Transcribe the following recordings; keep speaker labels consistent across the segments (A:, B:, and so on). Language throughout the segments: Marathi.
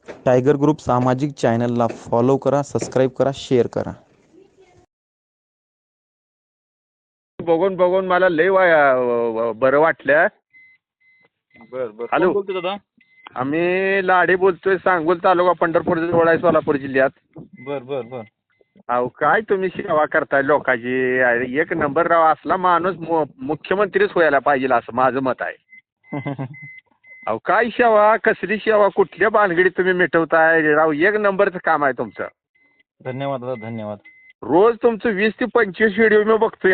A: टायगर ग्रुप सामाजिक चॅनलला फॉलो करा, सबस्क्राईब करा, शेअर करा.
B: बघून बघून मला लय बरं वाटलं.
C: बर बर.
B: हॅलो.
C: कोण बोलतो दादा?
B: आम्ही लाडे बोलतोय, सांगोल तालुका, पंढरपूर जवळ आहे, सोलापूर जिल्ह्यात.
C: बर बर बर.
B: अहो काय तुम्ही सेवा करताय लोकांची, अरे एक नंबर राव. असला माणूस मुख्यमंत्रीच व्हायला पाहिजे असं माझं मत आहे. अहो काय सेवा, कसली सेवा, कुठल्या भानगडीत तुम्ही मिटवताय राव. एक नंबरचं काम आहे तुमचं.
C: धन्यवाद दादा, धन्यवाद.
B: रोज तुमचं 20 ते 25 व्हिडिओ मी बघतोय.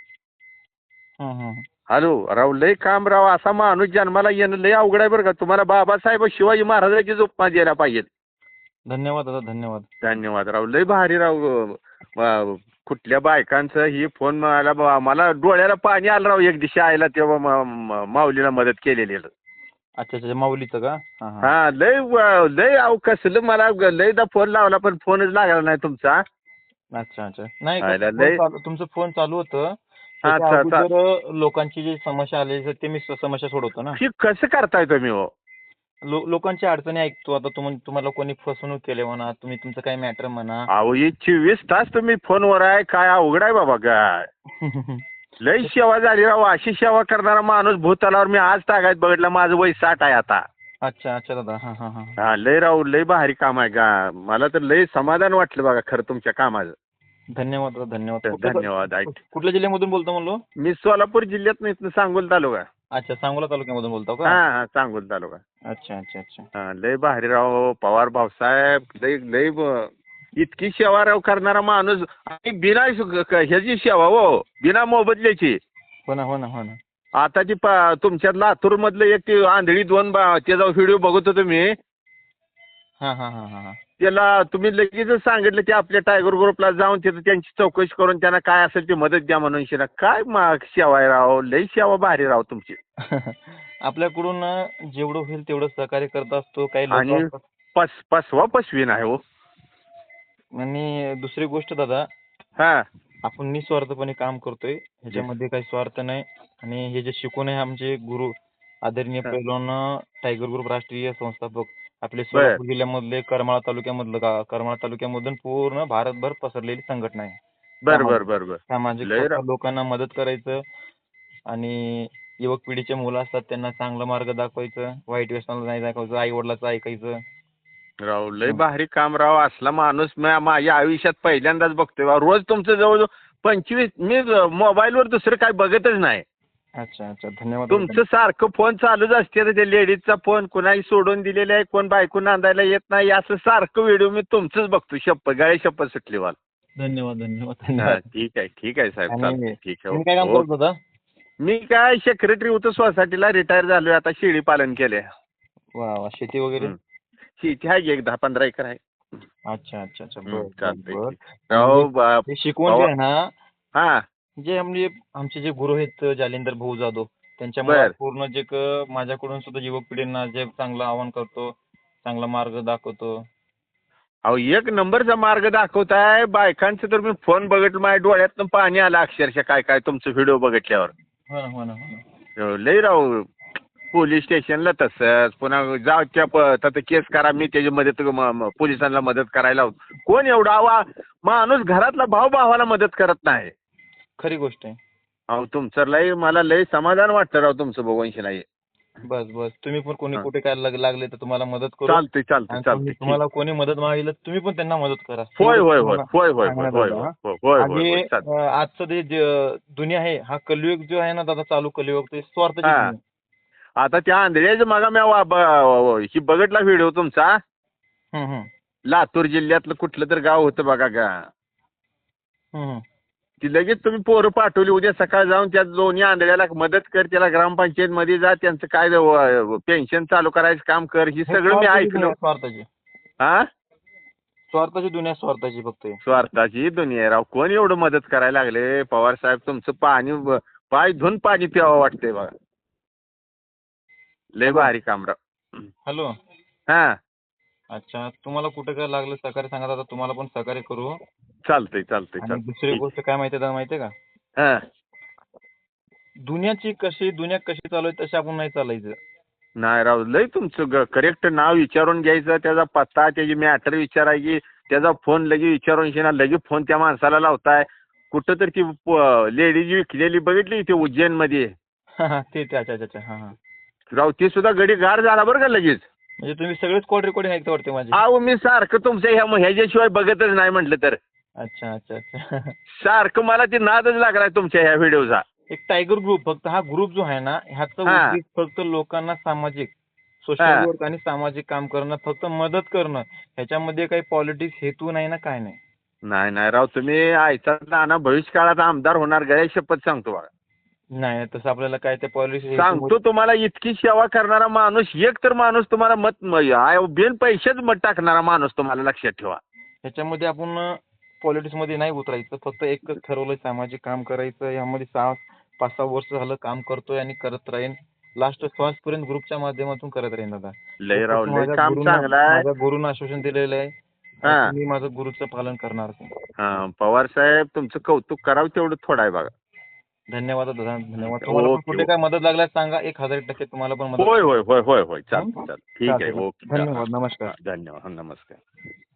B: हॅलो राव, लय काम राव. असा माणूस जन्माला येणं लय अवघड आहे बरं का. तुम्हाला बाबासाहेब शिवाजी महाराजांची उपमा द्यायला पाहिजे.
C: धन्यवाद दादा, धन्यवाद.
B: धन्यवाद राव, लय भारी राव. कुठल्या बायकांचं ही फोन मला डोळ्याला पाणी आलं राव. एक दिवशी आयला तेव्हा माऊलीला मदत केलेली.
C: अच्छा अच्छा, माऊलीचं का?
B: हा लय लय अहो कसलं, मला लयदा फोन लावला पण फोनच लागला नाही तुमचा.
C: अच्छा अच्छा. नाही
B: आयला
C: फोन
B: लय.
C: तुमचं फोन चालू होतं.
B: अच्छा
C: त्याच्या
B: अच्छा.
C: अगोदर लोकांची जी समस्या आली ते मी समस्या सोडवतो ना.
B: ही कसं करताय तुम्ही हो?
C: लोकांची अडचणी ऐकतो. आता तुम्हाला कोणी फसवणूक केली म्हणा, तुम्ही तुमचं काही मॅटर म्हणा.
B: अहो ही 24 तास तुम्ही फोनवर आहे, काय अवघड आहे बाबा काय. लय सेवा झाली राव. अशी सेवा करणारा माणूस भूतलावर मी आज तागायत बघितलं. माझं वय 60 आहे आता.
C: अच्छा अच्छा दादा. हा हा हा.
B: हा लय राव, लय भारी काम आहे का. मला तर लय समाधान वाटलं बघा खरं तुमच्या कामाचं.
C: धन्यवाद दादा, धन्यवाद.
B: धन्यवाद.
C: कुठल्या जिल्ह्यामधून बोलतो म्हणलो?
B: मी सोलापूर जिल्ह्यात इथनं सांगोल तालुका.
C: अच्छा, सांगोला तालुक्यामधून बोलतो का?
B: हा हा, सांगोल तालुका.
C: अच्छा अच्छा अच्छा.
B: हा लय भारी राव. पवार भाऊसाहेब लय लय इतकी सेवा राव करणारा माणूस. आणि बिना ह्याची सेवा हो, बिना मोबदल्याची.
C: हो ना हो ना हो ना.
B: आता ती तुमच्यात लातूर मधलं एक ती आंधळी त्याचा व्हिडिओ बघत होतो मी.
C: हा हा हा हा.
B: त्याला तुम्ही लगेचच सांगितलं की आपल्या टायगर ग्रुपला जाऊन तिथं त्यांची चौकशी करून त्यांना काय असेल ती मदत द्या म्हणून. काय सेवा आहे राव. लय सेवा भारी राव तुमची.
C: आपल्याकडून जेवढं होईल तेवढं सहकार्य करत असतो. काही
B: आणि
C: लोक
B: पसवा पसवी नाही हो.
C: आणि दुसरी गोष्ट दादा,
B: हा
C: आपण निस्वार्थपणे काम करतोय. ह्याच्यामध्ये काही स्वार्थ नाही. आणि हे जे शिकून आहे आमचे गुरु आदरणीय
B: हा.
C: पैलवान टायगर ग्रुप राष्ट्रीय संस्थापक आपले
B: बर
C: सोलापूर जिल्ह्यामधले करमाळा तालुक्यामधून पूर्ण भारतभर पसरलेली संघटना आहे.
B: बर बर बर बर.
C: सामाजिक
B: लय राव.
C: लोकांना मदत करायचं आणि युवक पिढीचे मुलं असतात त्यांना चांगला मार्ग दाखवायचं, वाईट व्यसनाला नाही दाखवायचं, आई वडिलाचं ऐकायचं.
B: राव लय भारी काम राव. असला माणूस माझ्या आयुष्यात पहिल्यांदाच बघतोय राव. रोज तुमचं जवळजवळ 25 मी मोबाईलवर दुसरं काय बघतच नाही.
C: अच्छा अच्छा, धन्यवाद.
B: तुमचं सारखं फोन चालूच असते. ते लेडीजचा फोन कुणाही सोडून दिलेला आहे, कोण बायको नांदायला येत नाही, असं सारखं व्हिडिओ मी तुमचंच बघतो. गळे शप्पथ सुटली मला.
C: धन्यवाद धन्यवाद
B: हा
C: धन्यवाद.
B: ठीक आहे साहेब, चालतंय. ठीक आहे.
C: तुम्ही काय काम करत होता?
B: मी काय सेक्रेटरी होतो सोसायटीला, रिटायर झालोय आता. शेळी पालन केले.
C: वा वा. शेती वगैरे?
B: शेती आहे, एक 10-15 एकर आहे.
C: अच्छा अच्छा अच्छा.
B: चालतंय.
C: बरं.
B: राव
C: हे शिकवण जे आहे ना,
B: हा
C: जे आमचे जे गुरु आहेत जालिंदर भाऊ जाधव, त्यांच्यामुळे
B: बर.
C: पूर्ण जे माझ्याकडून सुद्धा युवक पिढींना जे चांगलं आवाहन करतो, चांगला मार्ग दाखवतो.
B: अहो एक नंबरचा मार्ग दाखवताय. बायकांचं तर मी फोन बघितलं, माझ्या डोळ्यातनं पाणी आलं अक्षरशः. काय काय तुमचं व्हिडिओ बघितल्यावर.
C: हो ना हो ना हो ना.
B: लय राव. पोलीस स्टेशनला तसंच, पुन्हा जाऊ त्या केस करा, मी त्याची मदत पोलिसांना मदत करायला लावतो. कोण एवढा माणूस घरातला भाऊ भावाला मदत करत नाही.
C: खरी गोष्ट आहे.
B: अहो तुमचं लय, मला लय समाधान वाटतं राव तुमचं बघून. नाही
C: बस बस. तुम्ही पण कोणी कुठे काय लागले तर तुम्हाला मदत करू.
B: चालतंय चालतंय
C: आणि
B: चालतंय.
C: तुम्हाला कोणी मदत मागितलं तुम्ही पण त्यांना मदत करा.
B: होय होय होय
C: तुम्हाला
B: होय होय होय
C: सांगण्यात
B: होय
C: आलं,
B: होय
C: हा.
B: होय होय
C: आणि
B: होय चालतंय.
C: आजचं जे दुनिया आहे, हा कलियुग जो आहे ना दादा, चालू कलियुग, ते स्वार्थाची
B: हा.
C: दुनिया.
B: आता त्या आंधळ्याचं मग मी ही बघितला व्हिडिओ तुमचा.
C: हम्म, हम्म.
B: लातूर जिल्ह्यातलं कुठलं तर गाव होतं बघा का.
C: हम्म, हम्म.
B: ती लगेच तुम्ही पोरं पाठवली. उद्या सकाळ जाऊन त्या दोन्ही आंधळ्याला मदत कर, त्याला ग्रामपंचायत मध्ये जा, त्यांचं काय पेन्शन चालू करायचं काम कर. ही सगळं मी ऐकलं.
C: स्वार्थाची
B: हा
C: स्वार्थाची दुनिया, स्वार्थाची फक्त आहे.
B: स्वार्थाची दुनिया आहे राव. कोण एवढं मदत करायला लागले. पवार साहेब तुमचं पाय धुवून पाणी प्यावं वाटतंय बघा. लय भारी काम राव.
C: हॅलो.
B: हा
C: अच्छा, तुम्हाला कुठे काय लागलं सहकार्य सांगा दादा, तुम्हाला पण सहकार्य करू.
B: चालतंय चालतंय
C: आणि
B: चालतंय.
C: दुसरी
B: ठीक.
C: गोष्ट काय माहिती दादा, माहितीये का,
B: हा
C: दुनिया कशी चालू आहे तशी आपण नाही चालायचं.
B: नाही राव, लय तुमचं करेक्ट नाव विचारून घ्यायचं, त्याचा पत्ता, त्याची मॅटर विचारायची, त्याचा फोन लगे विचारून लगे फोन त्या माणसाला लावताय. कुठं तर ती लेडीज विकलेली बघितली ते उज्जैनमध्ये
C: ते अच्छा अच्छा अच्छा हां हां.
B: राव, ती सुद्धा गडी गार झाला बरं का लगेच.
C: म्हणजे तुम्ही सगळेच कॉल रेकॉर्डिंग ऐकता वाटते माझे.
B: अहो मी सारखं तुमच्या ह्याच्याशिवाय बघतच नाही म्हटलं तर.
C: अच्छा अच्छा अच्छा.
B: सारखं मला ते नादच लागलाय तुमच्या ह्या व्हिडिओचा.
C: एक टायगर ग्रुप, फक्त हा ग्रुप जो आहे ना, ह्याचा
B: हा.
C: उद्देश फक्त लोकांना सामाजिक
B: हा.
C: सोशल वर्क आणि सामाजिक काम करणं, फक्त मदत करणं. ह्याच्यामध्ये काही पॉलिटिक्स हेतू नाही ना, काय नाही.
B: नाही नाही राव, तुम्ही आयचा नाना भविष्यकाळात आमदार होणार, गळ्या शपथ सांगतो बघा.
C: नाही तसं आपल्याला काय ते पॉलिसी
B: सांगतो तुम्हाला, इतकी सेवा करणारा माणूस, एक तर माणूस तुम्हाला बिन पैसेच मत टाकणारा माणूस तुम्हाला लक्षात ठेवा.
C: ह्याच्यामध्ये आपण पॉलिटिक्स मध्ये नाही उतरायचं, फक्त एकच ठरवलं सामाजिक काम करायचं. यामध्ये 5-6 वर्ष झालं काम करतोय आणि करत राहीन. लास्ट श्वासपर्यंत ग्रुपच्या माध्यमातून करत राहीन दादा.
B: लय राव, लय काम चांगलं आहे.
C: माझ्या गुरुनं आश्वासन दिलेलं आहे.
B: हा.
C: मी माझं गुरुचं पालन करणार आहे.
B: हा, पवार साहेब तुमचं कौतुक करावं तेवढं थोडं आहे बघा.
C: धन्यवाद दादा, धन्यवाद. तुम्हाला पण
B: ओके,
C: कुठे काय मदत लागल्यास सांगा, 1000% तुम्हाला पण मदत.
B: होय होय होय होय होय, चालतं चालतं, ठीक आहे,
C: चालतंय.
B: ओके,
C: धन्यवाद, नमस्कार.
B: धन्यवाद, नमस्कार.